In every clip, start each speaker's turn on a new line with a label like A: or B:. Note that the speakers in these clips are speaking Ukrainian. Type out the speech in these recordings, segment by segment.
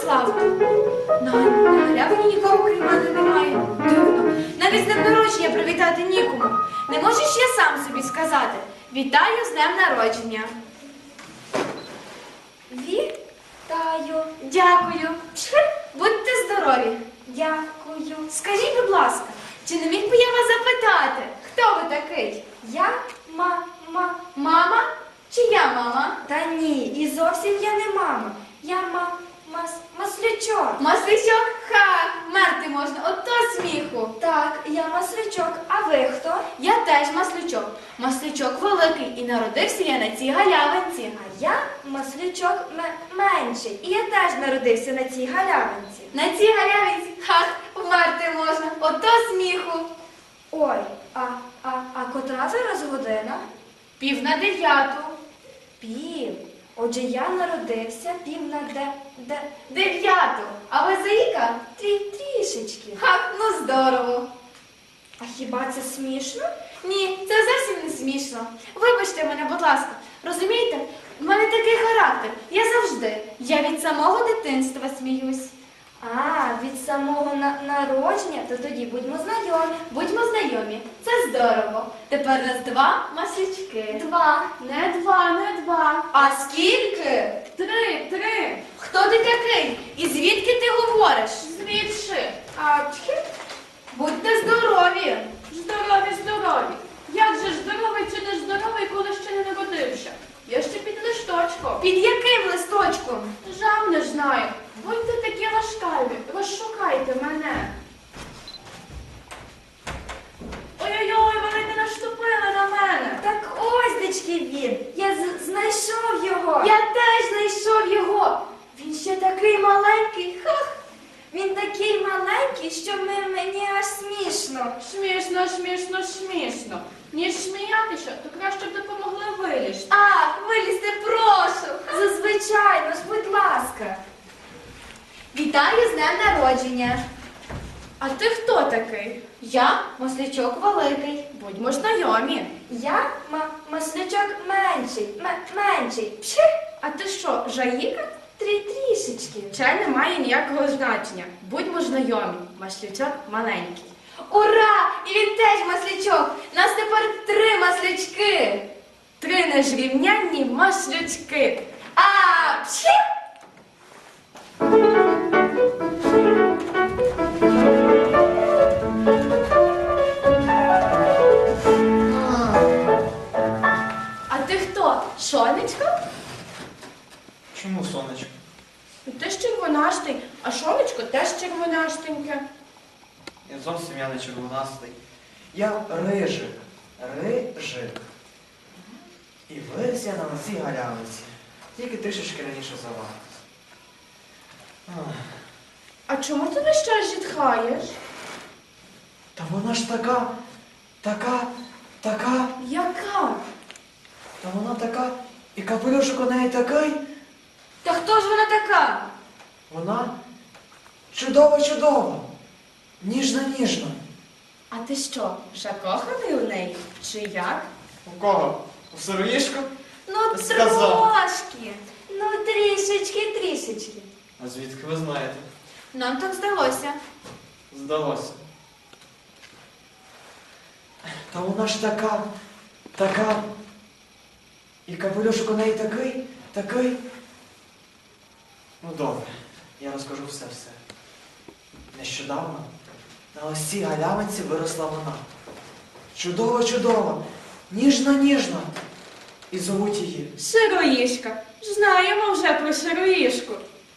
A: Славку. На галявині нікого крім мене немає. Дивно. Навіть з днем народження привітати нікому. Не можеш я сам собі сказати. Вітаю з днем народження.
B: Вітаю.
A: Дякую. Будьте здорові.
B: Дякую.
A: Скажіть, будь ласка, чи не міг би я вас запитати, хто ви такий?
B: Я
A: Мама? Чи я мама?
B: Та ні, і зовсім я не мама. Я маслячок.
A: Маслячок? Ха! Мерти можна, ото сміху.
B: Так, я маслячок. А ви хто?
A: Я теж маслячок. Маслячок великий, і народився я на цій галявинці.
B: А я маслячок менший. І я теж народився на цій галявинці.
A: На цій галявинці? Ха! Вмерти можна, ото сміху.
B: Ой, а котра зараз година?
A: 8:45.
B: Пів. Отже, я народився пів на
A: 9. А ви заїка?
B: трішечки.
A: Ха! Ну здорово.
B: А хіба це смішно?
A: Ні, це зовсім не смішно. Вибачте мене, будь ласка. Розумієте, в мене такий характер. Я від самого дитинства сміюсь.
B: А, від самого народження, то тоді будьмо знайомі.
A: Будьмо знайомі. Це здорово. Тепер нас 2 маслячки.
B: 2.
A: Не 2. А скільки? 3. Хто ти такий? І звідки ти говориш? Звідси. Будьте здорові.
C: Здорові. Як же ж здоровий чи не здоровий, коли ще не народився? Я ще під листочком.
A: Під яким листочком?
C: Жам не знаю. Будьте такі ласкаві, розшукайте мене. Ой-ой-ой, вони не наступили на мене.
B: Так ось дечки він. Я знайшов його.
A: Я теж знайшов його. Він ще такий маленький. Ха!
B: Він такий маленький, що мені аж смішно.
C: Смішно. Ніж сміятися, то краще б допомогли вилізти.
A: Ах, вилізьте, прошу.
B: Зазвичайно ж, будь ласка.
A: Вітаю з днем народження.
C: А ти хто такий?
A: Я маслячок великий.
C: Будьмо знайомі.
B: Я маслячок менший.
C: А ти що, Жаїка?
B: Трішечки.
C: Це не має ніякого значення. Будьмо знайомі. Маслячок маленький.
A: Ура! І він теж маслячок. Нас тепер 3 маслячки.
C: 3 незрівнянні маслячки.
A: А, пші!
C: А ти хто? Сонечко?
D: Чому сонечко?
C: Ти ж червонастий, а сонечко теж червонастеньке.
D: Я зовсім не червонастий. Я рижик. І виріс я на цій галявиці. Тільки трішечки раніше за вас.
C: А чому ти весь час зітхаєш?
D: Та вона ж така.
C: Яка?
D: Та вона така. І капелюшок у неї такий.
A: Та хто ж вона така?
D: Вона чудова. Ніжна.
C: А ти що, закоханий у неї? Чи як?
D: У кого? У сироїшку?
A: Ну,
D: Сказав.
A: трошки.
B: Ну, трішечки.
D: А звідки ви знаєте?
A: Нам так здалося.
D: Здалося. Та вона ж така. І капелюшок у неї такий. Ну добре, я розкажу все. Нещодавно на ось цій галявинці виросла вона. Чудова, ніжна. І зовуть її.
C: Сироїшка. Знаємо вже про сироїшку.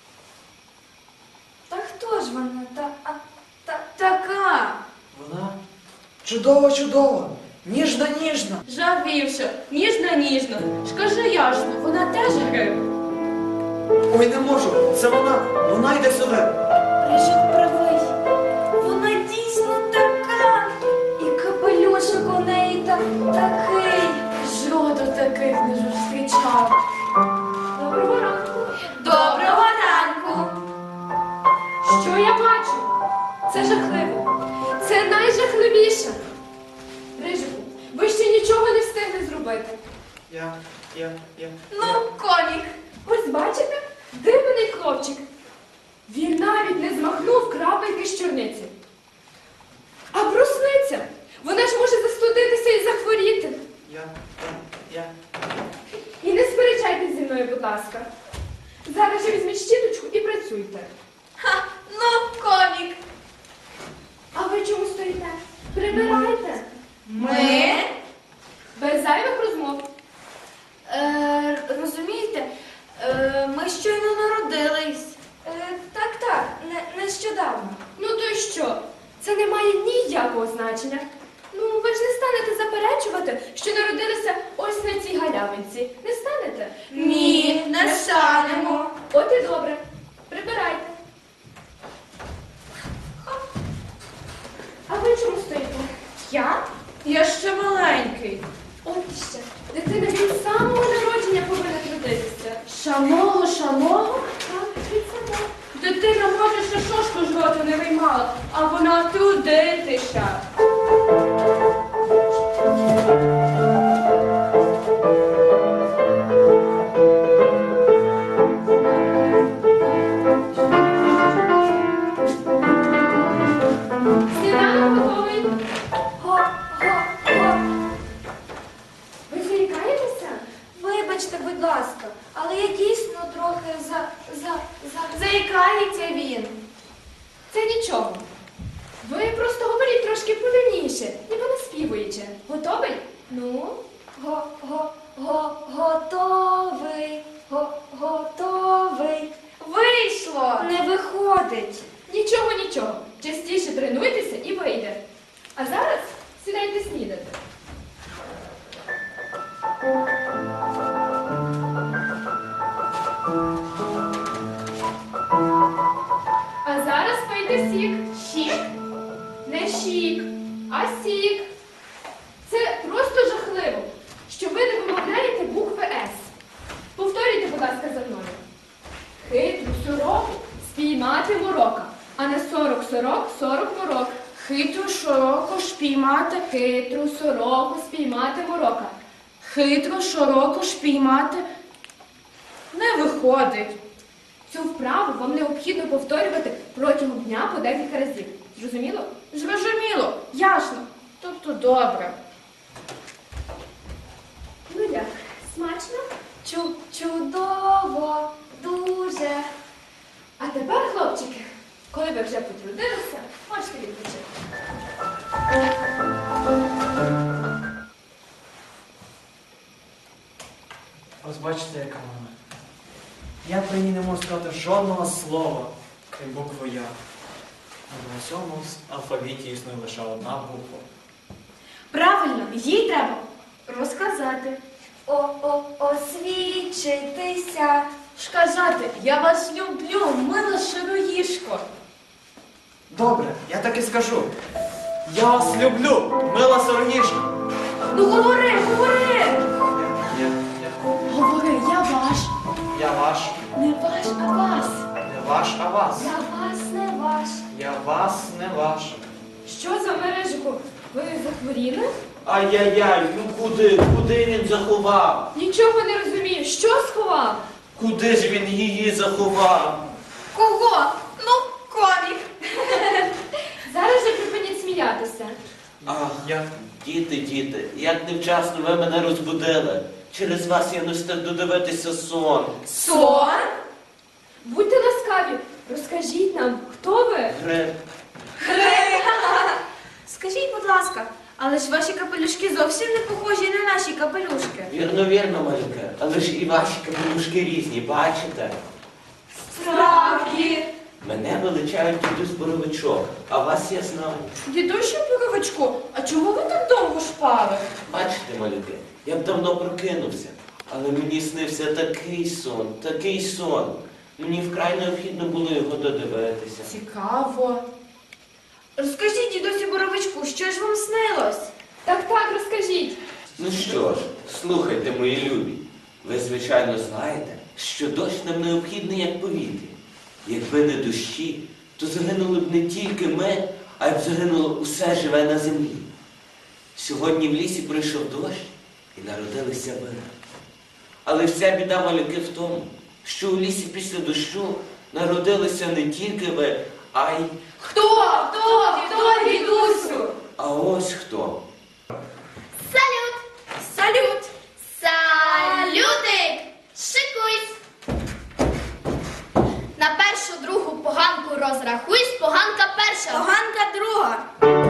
B: Та хто ж вона?
A: Така.
D: Вона чудова, ніжна.
C: Завівся. Ніжно. Скажи ясно, вона теж гриб?
D: Ой, не можу, це вона йде сюди.
A: Рижик правий. Вона дійсно така.
B: І капелюшок у неї такий.
C: Жроду таких не зустрічав.
B: Доброго ранку.
A: Доброго ранку.
C: Що я бачу?
B: Це жахливо.
C: Це найжахливіше. Рижику, ви ще нічого не встигли зробити.
D: Я.
A: Ну, комік.
C: Ось бачите? Дивний хлопчик. Він навіть не змахнув крапельки з чорниці. А брусниця? Вона ж може застудитися і захворіти.
D: Я.
C: І не сперечайтесь зі мною, будь ласка. Зараз же візьміть щіточку і працюйте.
A: Ха, ну, комік.
C: А ви чому стоїте? Прибирайте.
A: Ми?
C: Без зайвих розмов.
A: Розумієте, ми щойно народились.
B: Так, нещодавно.
C: Ну то й що? Це не має ніякого значення. Ну, ви ж не станете заперечувати, що народилися ось на цій галявинці. Не станете?
A: Ні, не станемо.
C: От і добре. Прибирайте. А ви чому стоїте?
A: Я ще маленький.
C: От іще. Дитина від самого народження повинна трудитися.
A: Самого?
C: Так, від самого.
A: Дитина може ще шошку з рота не виймала, а вона трудитися.
C: Сніданок готовий.
B: Го.
C: Ви заїкаєтеся?
B: Вибачте, будь ласка, але я дійсно трохи
A: Заїкається він.
C: Це нічого. Ви просто говоріть трошки повільніше, ніби наспівуючи. Готовий? Ну?
B: Готовий. Готовий.
A: Вийшло.
B: Не виходить.
C: Нічого. Частіше тренуйтеся і вийде. А зараз сідайте снідати. А зараз пийте сік. Сік? Не шік, а сік. Це просто жахливо, що ви не вимовляєте букви С. Повторюйте, будь ласка, за мною. Хитру сороку спіймати морока, а не 40 морок.
A: Хитру широко шпіймати.
C: Хитру сороку спіймати морока.
A: Хитру широко шпіймати. Не виходить.
C: Цю вправу вам необхідно повторювати протягом дня по декілька разів. Зрозуміло?
A: Зрозуміло, ясно. Тобто добре.
C: Ну як, смачно?
B: Чудово, дуже.
C: А тепер, хлопчики, коли ви вже потрудилися, можете відпочити.
D: Ось бачите, яка вона. Я про ній не можу сказати жодного слова, крім букви Я. А на цьому алфавіті існує лише одна буква.
A: Правильно, їй треба розказати.
B: Освічитися.
A: Сказати, я вас люблю, мила широїшко.
D: Добре, я так і скажу. Я вас люблю, мила сороніжка.
A: Ну говори.
C: Говори, я ваш.
D: Я ваш.
A: Не ваш, а вас.
D: Не ваш, а вас.
B: Я вас не ваш.
D: Я вас, не ваш.
C: Що за мережику? Ви захворіли?
E: Ай-яй-яй, ну куди він заховав?
C: Нічого не розумію. Що сховав?
E: Куди ж він її заховав?
A: Кого? Ну, комік.
C: Зараз же припиніть сміятися.
E: Ах,
D: Я.
E: діти, як невчасно ви мене розбудили. Через вас я не встиг додивитися сон.
A: Сон?
C: Будьте ласкаві, розкажіть нам, хто ви?
E: Гриб.
A: Скажіть, будь ласка, але ж ваші капелюшки зовсім не похожі на наші капелюшки.
E: Вірно, малюке. Але ж і ваші капелюшки різні, бачите?
A: Справді.
E: Мене величають дідусь Боровичок, а вас я знаю.
A: Дідуще Боровичку, а чому ви так довго шпали?
E: Бачите, малюки, я б давно прокинувся, але мені снився такий сон. Мені вкрай необхідно було його додивитися.
A: Цікаво. Розкажіть, дідусю Боровичку, що ж вам снилось?
C: Так, розкажіть.
E: Ну що ж, слухайте, мої любі. Ви, звичайно, знаєте, що дощ нам необхідний як повітря. Якби не дощі, то загинули б не тільки ми, а й б загинуло усе живе на землі. Сьогодні в лісі прийшов дощ і народилися ви. Але вся біда, малюки, в тому, що у лісі після дощу народилися не тільки ви, а й...
A: Хто, дідусю?
E: А ось хто.
B: Салют!
A: Салют!
B: Салютик! Шикуйсь! На першу, другу поганку розрахуйсь, поганка перша.
A: Поганка друга.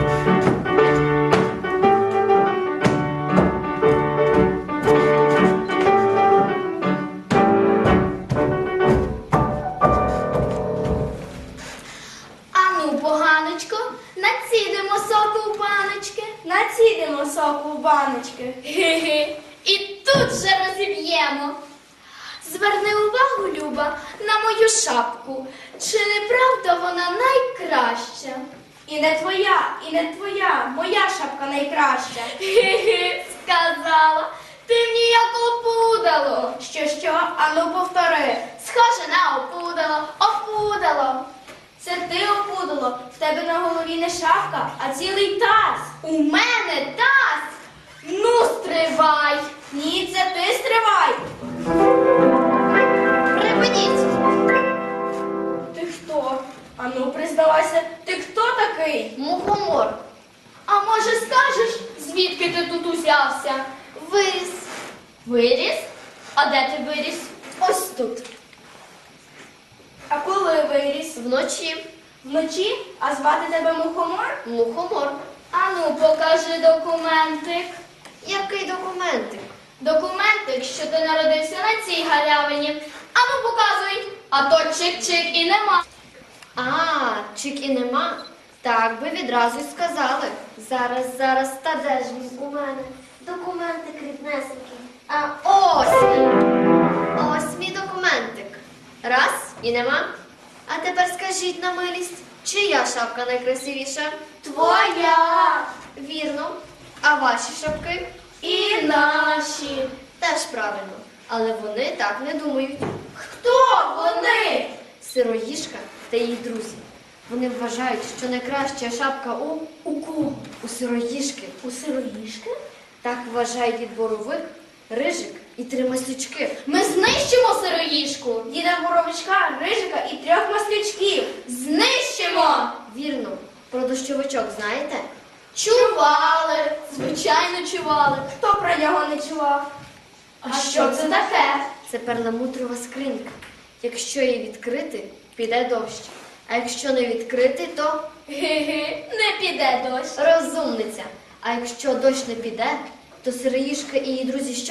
B: Ану, поганочко, націдимо соку в баночки.
A: Націдимо соку в баночки.
B: Ге-ге, і тут же розіб'ємо. Зверни увагу, Люба, на мою шапку. Чи не правда вона найкраща?
A: І не твоя, моя шапка найкраща.
B: Ге-ге, сказала. Ти мені як опудало.
A: Що? Ану повтори.
B: Схоже на опудало, опудало.
A: Це ти опудало, в тебе на голові не шапка, а цілий таз.
B: У мене таз. Ну, стривай.
A: Ні, це ти стривай.
B: Припиніть.
A: Ти хто? Ану, признавайся, ти хто такий?
B: Мухомор. А може скажеш, звідки ти тут узявся? Виріс. Виріс? А де ти виріс? Ось тут.
A: А коли виріс?
B: Вночі.
A: Вночі? А звати тебе Мухомор?
B: Мухомор. Ану, покажи документик. Який документик? Документик, що ти народився на цій галявині. Ану, показуй. А то чик-чик і нема. А, чик і нема. Так би відразу й сказали. Зараз, та де ж він у мене? Документик ріднесенький. А ось він. Ось мій документик. Раз і нема. А тепер скажіть на милість, чия шапка найкрасивіша?
A: Твоя.
B: Вірно. А ваші шапки?
A: І наші.
B: Теж правильно. Але вони так не думають.
A: Хто вони?
B: Сироїжка та її друзі. Вони вважають, що найкраща шапка у кого? У сироїжки.
A: У сироїшки?
B: Так вважає дід Боровик, Рижик і 3 маслючки. Ми знищимо сироїжку!
A: Діда Боровичка, Рижика і 3 маслючків.
B: Знищимо! Вірно. Про дощовичок знаєте? Чували! Звичайно, чували.
A: Хто про нього не чував? А що це таке?
B: Це перламутрова скринька. Якщо її відкрити, піде дощ. А якщо не відкрити, то
A: Ге-ге, не піде дощ.
B: розумниця. А якщо дощ не піде, то сироїжка і її друзі що?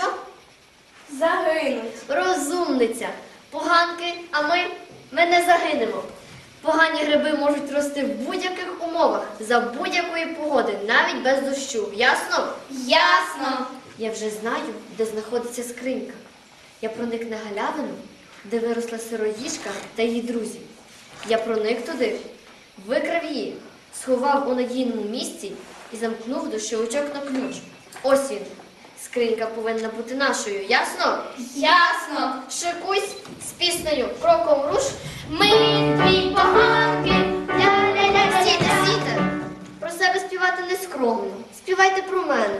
A: Загинуть.
B: Розумниця. Поганки, а ми не загинемо. Погані гриби можуть рости в будь-яких умовах, за будь-якої погоди, навіть без дощу. Ясно?
A: Ясно.
B: Я вже знаю, де знаходиться скринька. Я проник на галявину, де виросла сироїжка та її друзі. Я проник туди, викрав її, сховав у надійному місці і замкнув дощовичок на ключ. Ось він. Скринька повинна бути нашою. Ясно?
A: Ясно.
B: Шикуйсь з піснею «Кроком руш». Ми дві поганки. Ля-ля-ля. Стійте. Про себе співати не скромно. Співайте про мене.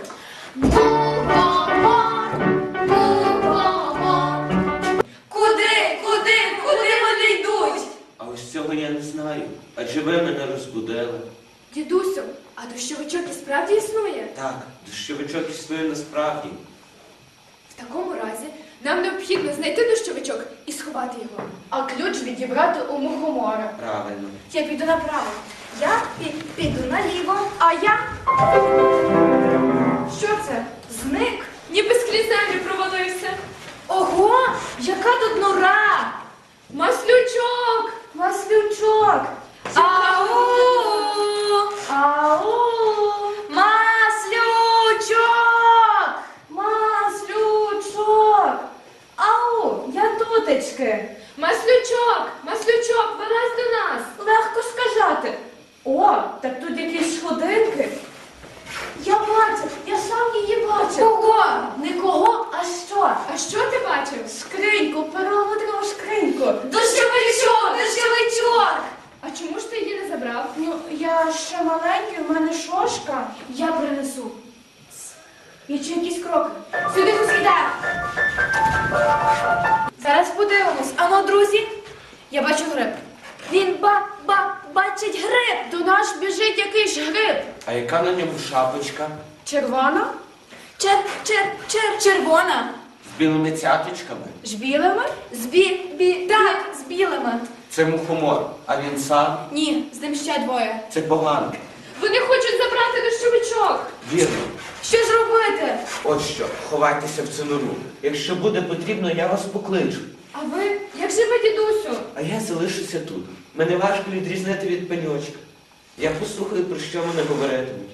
B: Мухомор, мухомор.
A: Куди вони йдуть?
E: А ось цього я не знаю. Адже ви мене розбудили.
C: Дідусю, а дощовичок і справді існує?
E: Так, дощовичок існує насправді.
C: В такому разі нам необхідно знайти дощовичок і сховати його.
A: А ключ відібрати у Мухомора.
E: Правильно.
A: Я піду направо. Я піду наліво. А я... Що це? Зник?
C: Ніби скрізь землю провалився.
A: Ого! Яка тут нора!
C: Маслючок!
A: Маслючок! Ау! Ау! Маслючок! Маслючок! Ау! Я тутечки!
C: Маслючок, вилазь до нас!
A: Легко сказати. О, так тут якісь сходинки. Я бачу, я сам її бачив. Кого? Не кого, а що?
C: А що ти бачив?
A: Скриньку, перламутрову скриньку. Дощовичок!
C: А чому ж ти її не забрав?
A: Ну, я ще маленький, в мене шошка. Я принесу. Я чую якісь кроки. Сюди хтось йде. Зараз подивимось. Ану, друзі, Я бачу гриб. Він бачить гриб. До нас біжить якийсь гриб.
E: А яка на ньому шапочка?
A: Червона? Червона.
E: З білими цяточками?
A: З білими? Так, з білими.
E: Це мухомор. А він сам?
A: Ні, з ним ще двоє.
E: Це погано.
C: Вони хочуть забрати дощовичок.
E: Вірно.
A: Що ж робити?
E: От що, ховайтеся в цю нору. Якщо буде потрібно, я вас покличу.
C: А ви? Як же ви, дідусю?
E: А я залишуся тут. Мене важко відрізнити від пеньочка. Я послухаю, про що мене говоритимуть.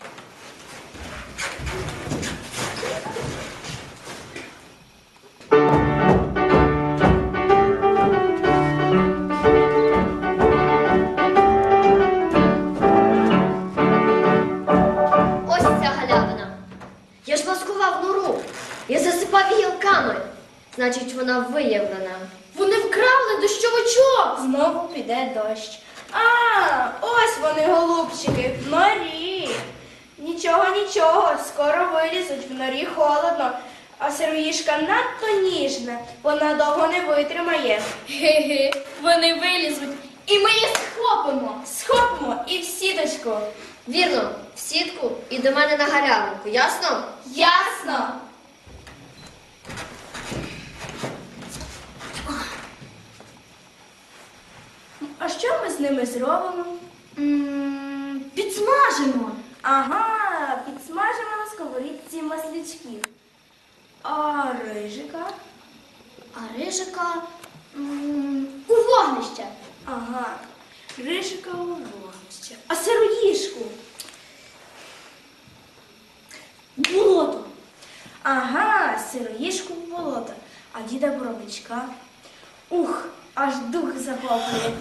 F: Ось ця галявина. Я ж маскував нору. Я засипав гілками. Значить, вона виявлена.
B: Вони вкрали дощовичок.
G: Знову піде дощ. А, ось вони, голубчики, в норі. Нічого, нічого, скоро вилізуть, в норі холодно, а сироїжка надто ніжна, вона довго не витримає.
B: Ге-ге, вони вилізуть, і ми їх схопимо.
G: Схопимо і в сіточку.
F: Вірно, в сітку і до мене на галявинку, ясно?
B: Ясно.
G: А що ми з ними зробимо?
B: Підсмажимо.
G: Ага, підсмажимо на сковорідці маслячків. А рижика?
B: А рижика у вогнище.
G: Ага, рижика у вогнище. А сироїжку?
B: Болото.
G: Ага, сироїжку в болото, а діда Боровичка. Ух, аж дух захоплює.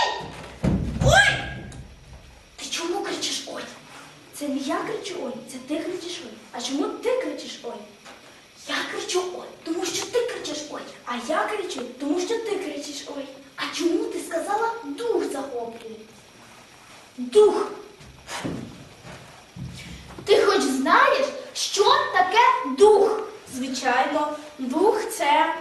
B: Ти чому кричиш ой?
G: Це не я кричу ой, це ти кричиш ой. А чому ти кричиш ой?
B: Я кричу ой, тому що ти кричиш ой.
G: А я кричу, тому що ти кричиш ой.
B: А чому ти сказала дух захоплює?
G: Дух.
B: Ти хоч знаєш, що таке дух?
G: Звичайно, дух це.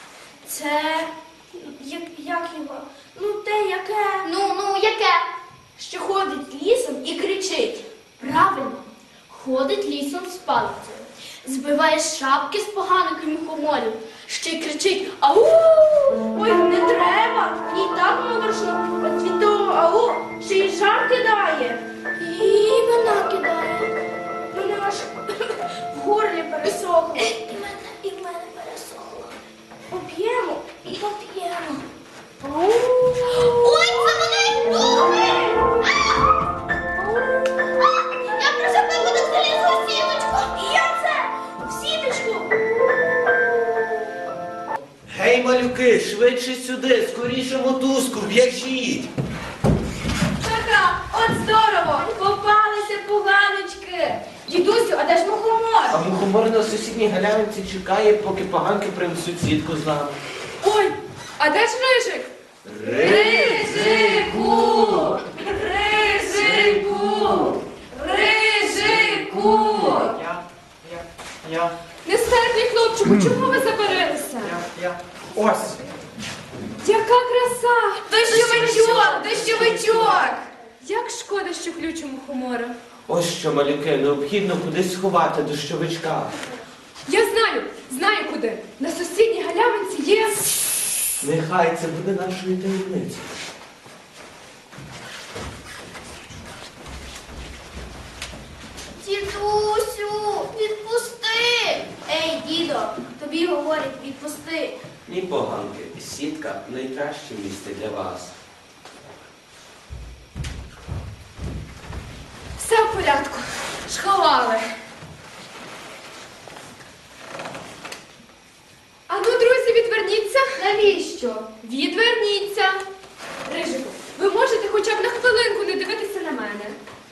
G: Як його? Ну, те, яке.
B: Ну, яке?
G: Що ходить лісом і кричить.
B: Правильно, ходить лісом з палицею, збиває шапки з поганих мухоморів, ще й кричить «Ау!».
G: Ой, не треба. І так моторошно. От від того ау ще й жар кидає.
B: І мене кидає.
G: Мене аж в горлі пересохло.
B: І в мене пересохло.
G: Поп'ємо.
B: Поп'ємо.
G: Ау.
B: Ой, це вони духи! Я про себе буду залізла в сіточку.
G: І я це в сіточку.
E: Гей, малюки, швидше сюди, скоріше мотузку, в'яжіть.
A: Така, от здорово! Попалися поганочки! Дідусю, а де ж мухомор?
E: А мухомор на сусідній галявинці чекає, поки поганки принесуть сітку з нами.
C: Ой, а де ж рижик?
A: Рижику! Рижику! Рижику!
D: Я.
C: Нестерпний хлопчику, чого ви забарилися?
D: Ось.
C: Яка краса!
A: Дощовичок! Дощовичок!
C: Як шкода, що ключ у мухомора.
E: Ось що, малюки, необхідно кудись сховати дощовичка.
C: Я знаю куди. На сусідній галявинці є...
E: Нехай це буде нашою таємницею.
B: Дідусю, відпусти!
G: Ей, дідо, тобі говорять, відпусти.
E: Ні, поганки, сітка найкраще місце для вас.
C: Все в порядку. Сховали. А ну, друзі, відверніться.
B: Навіщо?
C: Відверніться. Рижику, ви можете хоча б на хвилинку не дивитися на мене.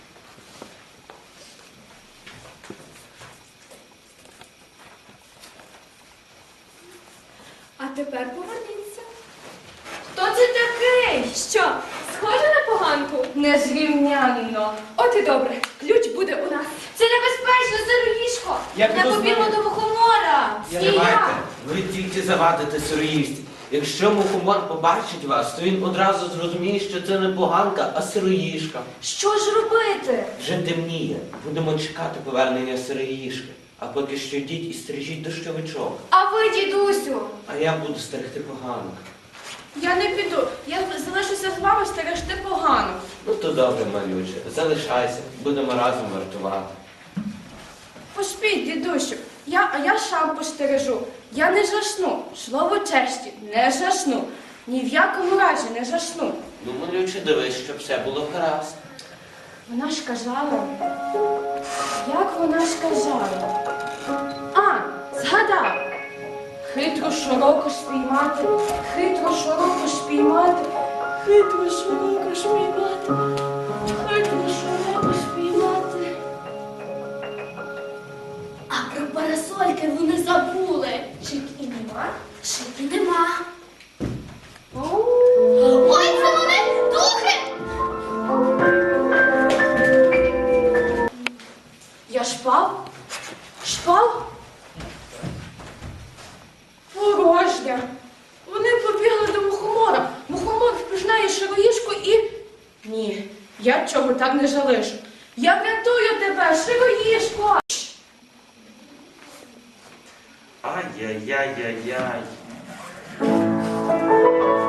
C: А тепер поверніться.
A: Хто це такий?
C: Що, схоже на поганку?
A: Незрівнянно.
C: От і добре, ключ буде у нас.
A: Це небезпечно, сироїшко!
D: Я
A: Не
D: піду з
A: побігла
D: вами.
A: до мухомора!
E: Стривайте, ви тільки завадите сироїсті. Якщо мухомор побачить вас, то він одразу зрозуміє, що це не поганка, а сироїшка.
A: Що ж робити?
E: Вже темніє. Будемо чекати повернення сироїшки. А поки що йдіть і стрижіть дощовичок.
A: А ви, дідусю?
E: А я буду стерегти поганок.
C: Я не піду. Я залишуся з вами стерегти погано.
E: Ну то добре, малюче. Залишайся, будемо разом вартувати.
C: Поспіть, дідусю. А я сам постережу. Я не жасну. Слово честі, не жасну. Ні в якому разі не жасну.
E: Ну, малюче, дивись, щоб все було гаразд.
C: Вона ж казала. Як вона ж казала? А, згадав. Хитро широко спіймати, хитро широко спіймати, хитро широко спіймати, хитро широко спіймати.
B: А про парасольки вони забули.
G: Чик і нема.
B: Шики нема. Ой, це вони духи!
C: Я шпав? Шпав? Порожня. Вони побігли до мухомора. Мухомор впізнає широїшку і... Ні, я цього так не залишу. Я врятую тебе, широїшко!
E: Ай-яй-яй-яй-яй.